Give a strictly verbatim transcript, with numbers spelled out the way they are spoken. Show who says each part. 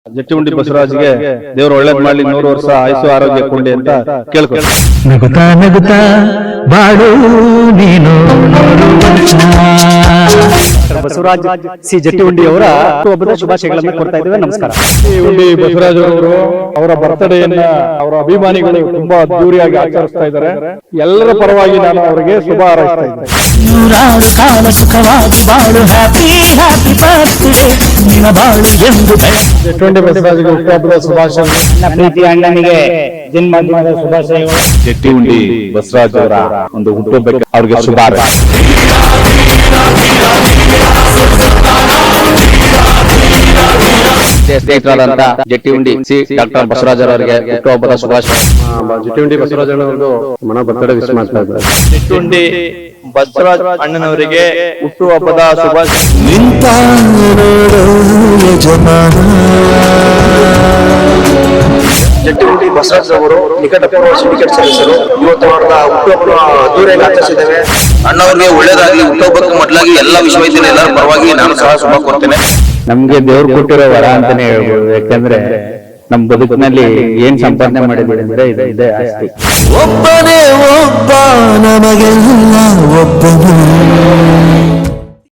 Speaker 1: ಜಟ್ಟಿಹುಂಡಿ ಬಸವರಾಜ್ಗೆ ದೇವರು ಒಳ್ಳೇದ್ ಮಾಡ್ಲಿ, ನೂರು ವರ್ಷ ಆಯುಷು ಆರೋಗ್ಯ ಕೊಂಡಿ ಅಂತ ಕೇಳ್ಕೊಂಡು
Speaker 2: ನಗುತ್ತಾ ನಗುತ್ತಾ ಬಾಳು ನೀನು
Speaker 3: ಬಸವರಾಜ್ ಸಿ ಜಟ್ಟಿಹುಂಡಿ ಅವರ ಹುಟ್ಟುಹಬ್ಬದ ಶುಭಾಶಯಗಳನ್ನು ಕೊಡ್ತಾ ಇದ್ದೇವೆ. ನಮಸ್ಕಾರ.
Speaker 1: ಜಟ್ಟಿಹುಂಡಿ ಬಸವರಾಜ್ ಅವರು ಅವರ ಬರ್ತಡೆಯನ್ನ ಅವರ ಅಭಿಮಾನಿಗಳು ತುಂಬಾ ಅದ್ದೂರಿಯಾಗಿ ಆಚರಿಸ್ತಾ ಇದ್ದಾರೆ. ಎಲ್ಲರ ಪರವಾಗಿ ನಾನು ಅವರಿಗೆ ಶುಭ ಹಾರೈಸ್ತಾ ಇದ್ದೇನೆ.
Speaker 2: ನೂರಾರು ಕಾಲ ಸುಖವಾಗಿ ಬಾಳು, ಹ್ಯಾಪಿ ಹ್ಯಾಪಿ ಬರ್ತ್ಡೇ ನಿನ್ನ ಬಾಳು ಎಂದು
Speaker 1: ಜಟ್ಟಿಹುಂಡಿ ಬಸವರಾಜ್ಗೆ ಹುಟ್ಟುಹಬ್ಬದ ಶುಭಾಶಯಗಳು.
Speaker 3: ನನ್ನ ಪ್ರೀತಿ ಅಣ್ಣನಿಗೆ ಜನ್ಮದಿನದ ಶುಭಾಶಯಗಳು.
Speaker 1: ಜಟ್ಟಿಹುಂಡಿ ಬಸವರಾಜ್ ಅವರ ಒಂದು ಹುಟ್ಟುಹಬ್ಬಕ್ಕೆ ಅವ್ರಿಗೆ ಶುಭ ಸ್ನೇಹಿತರಾದಂತ ಜಟ್ಟಿಹುಂಡಿ ಸಿ ಡಾಕ್ಟರ್ ಬಸವರಾಜ್ ಅವರಿಗೆ ಹುಟ್ಟುಹಬ್ಬದ ಶುಭಾಶಯ.
Speaker 4: ಜಟ್ಟಿಹುಂಡಿ ಬಸವರಾಜ್ ಒಂದು ಮನ ಬರ್ತಡೆ ವಿಶ್ ಮಾಡ್ತಾ ಇದ್ದಾರೆ.
Speaker 5: ಜಟ್ಟಿಹುಂಡಿ ಬಸವರಾಜ್ ಅಣ್ಣನವರಿಗೆ ಹುಟ್ಟುಹಬ್ಬದ ಶುಭಾಶಯ.
Speaker 2: ನಿಂತ
Speaker 4: ಜಟ್ಟಿಹುಂಡಿ ಬಸವರಾಜ್ ಅವರು ನಿಕಟಪೂರ್ವ ಸಿಂಡಿಕೇಟ್ ಸದಸ್ಯರು. ಇವತ್ತು ಅವರ ಹುಟ್ಟುಹಬ್ಬ ಅದ್ದೂರಿಯಾಗಿ ಆಚರಿಸಿದ್ದೇವೆ.
Speaker 6: ಅಣ್ಣವ್ರಿಗೆ ಒಳ್ಳೇದಾಗ್ಲಿ. ಹುಟ್ಟುಹಬ್ಬಕ್ಕೆ ಮೊದಲಾಗಿ ಎಲ್ಲ ವಿಶ್ವವಿದ್ಯಾಲಯ ಎಲ್ಲರ ಪರವಾಗಿ ನಾನು ಸಹ ಶುಭ ಕೋರ್ತೇನೆ.
Speaker 1: ನಮ್ಗೆ ದೇವ್ರು ಕೊಟ್ಟಿರೋ ವರ ಅಂತಾನೆ ಹೇಳ್ಬೋದು. ಯಾಕಂದ್ರೆ ನಮ್ ಬದುಕಿನಲ್ಲಿ ಏನ್ ಸಂಪಾದನೆ ಮಾಡಿದ್ದೀವಿ ಅಂದ್ರೆ ಇದೆ ಇದೆ ಆಸ್ತಿ.
Speaker 2: ಒಬ್ಬನೇ ಒಬ್ಬ ನಮಗೆಲ್ಲ ಒಬ್ಬನು